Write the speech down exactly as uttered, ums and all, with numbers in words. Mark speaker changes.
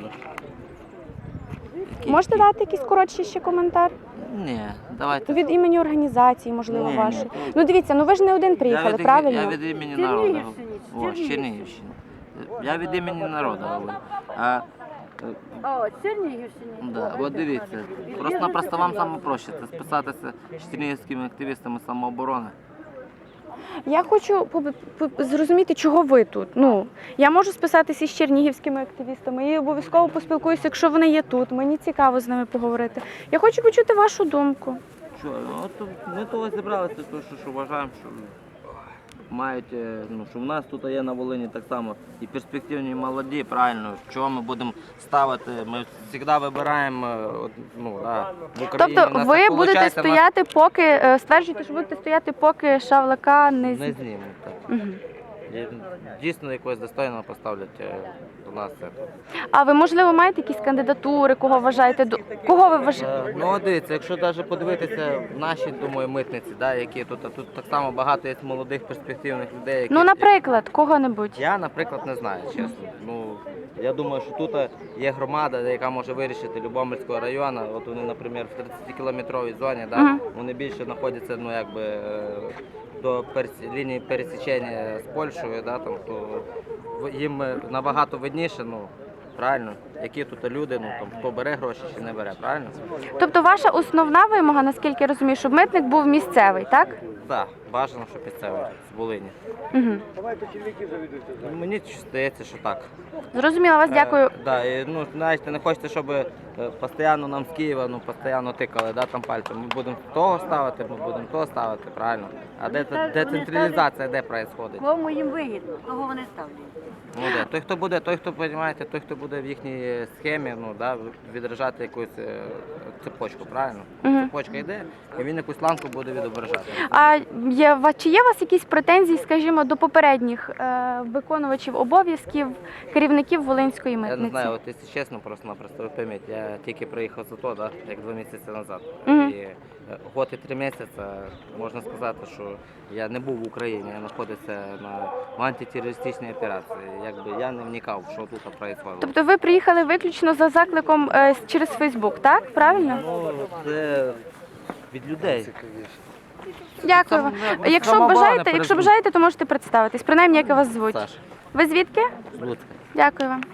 Speaker 1: правильно.
Speaker 2: Можете дати якийсь коротший ще коментар?
Speaker 1: Ні, давайте.
Speaker 2: Від імені організації, можливо,
Speaker 1: Ні, ні.
Speaker 2: вашої. Ну дивіться, ну ви ж не один приїхали,
Speaker 1: я від,
Speaker 2: правильно?
Speaker 1: Я від імені народу. О, з Чернігівщини. Я від імені народу говорю. А,
Speaker 3: О, Чернігівщини.
Speaker 1: да, от дивіться, просто-напросто вам саме проще це списатися з чернігівськими активістами самооборони.
Speaker 2: Я хочу поб- поб- зрозуміти, чого ви тут. Ну, я можу списатися з чернігівськими активістами і обов'язково поспілкуюся, якщо вони є тут. Мені цікаво з ними поговорити. Я хочу почути вашу думку.
Speaker 1: Що, ну, от ми того зібралися, тому що, що вважаємо, що мають, е, ну, що в нас тут є на Волині так само і перспективні, і молоді, правильно, чого ми будемо ставити, ми завжди вибираємо, е, от, ну, да, в Україні.
Speaker 2: Тобто
Speaker 1: у нас
Speaker 2: ви
Speaker 1: так
Speaker 2: будете
Speaker 1: виходить, нас
Speaker 2: стояти, поки е, стверджуєте, що будете стояти, поки Шавлака не з...
Speaker 1: не знімуть. Так.
Speaker 2: Мгм.
Speaker 1: І дійсно якогось достойного поставлять е, до нас. Це.
Speaker 2: А ви, можливо, маєте якісь кандидатури, кого вважаєте? до- Кого ви вважаєте?
Speaker 1: Е, Ну, от дивіться, якщо навіть подивитися в наші, думаю, митниці, да, які тут, а тут так само багато є молодих перспективних людей, які...
Speaker 2: Ну, наприклад, кого-небудь.
Speaker 1: Я, наприклад, не знаю, чесно. Ну, я думаю, що тут є громада, яка може вирішити Любомльського району. От вони, наприклад, в тридцятикілометровій зоні, да,
Speaker 2: Мгм.
Speaker 1: вони більше знаходяться, ну, якби, е, до перес- лінії пересічення з Польщею, да, там, то в- їм е, набагато видніше, ну, правильно, які тут люди, ну, там, хто бере гроші чи не бере, правильно?
Speaker 2: Тобто ваша основна вимога, наскільки я розумію, щоб митник був місцевий, так?
Speaker 1: Так, бажано, щоб місцевий з Волині.
Speaker 2: Угу.
Speaker 1: Мені здається, що так.
Speaker 2: Зрозуміла вас, дякую.
Speaker 1: Е, да, і, ну, знаєте, не хочете, щоб е, постійно нам з Києва ну, постійно тикали, да, там пальцем. Ми будемо того ставити, ми будемо того ставити, правильно. А де та- децентралізація, де відбувається?
Speaker 3: Кому їм вигідно, того вони ставлять.
Speaker 1: Ну, де? Той, хто буде, той, хто, розумієте, той, хто буде в їхній схемі, ну, да, відражати якусь е, цепочку, правильно?
Speaker 2: Мгм.
Speaker 1: Цепочка йде, і він якусь ланку буде відображати.
Speaker 2: А є, ва- чи є у вас якісь претензії, скажімо, до попередніх е, виконувачів обов'язків, керівників Волинської
Speaker 1: Я не
Speaker 2: митниці?
Speaker 1: знаю, от якщо чесно, просто-напросто ви пойміть, я тільки приїхав за то, да, як два місяці назад.
Speaker 2: Мгм.
Speaker 1: І е, год і три місяці, можна сказати, що я не був в Україні, я знаходився на в антитерористичній операції. Якби я не вникав, що тут відбувається.
Speaker 2: Тобто ви приїхали виключно за закликом е, с- через Фейсбук, так? Правильно?
Speaker 1: Ну, це від людей.
Speaker 2: Дякую вам.
Speaker 1: Сам-
Speaker 2: Якщо
Speaker 1: самооборона
Speaker 2: бажаєте, якщо
Speaker 1: перед-
Speaker 2: бажаєте, то можете представитись. Принаймні, як вас звуть.
Speaker 1: Саша,
Speaker 2: Ви звідки?
Speaker 1: з Луцька.
Speaker 2: Дякую вам.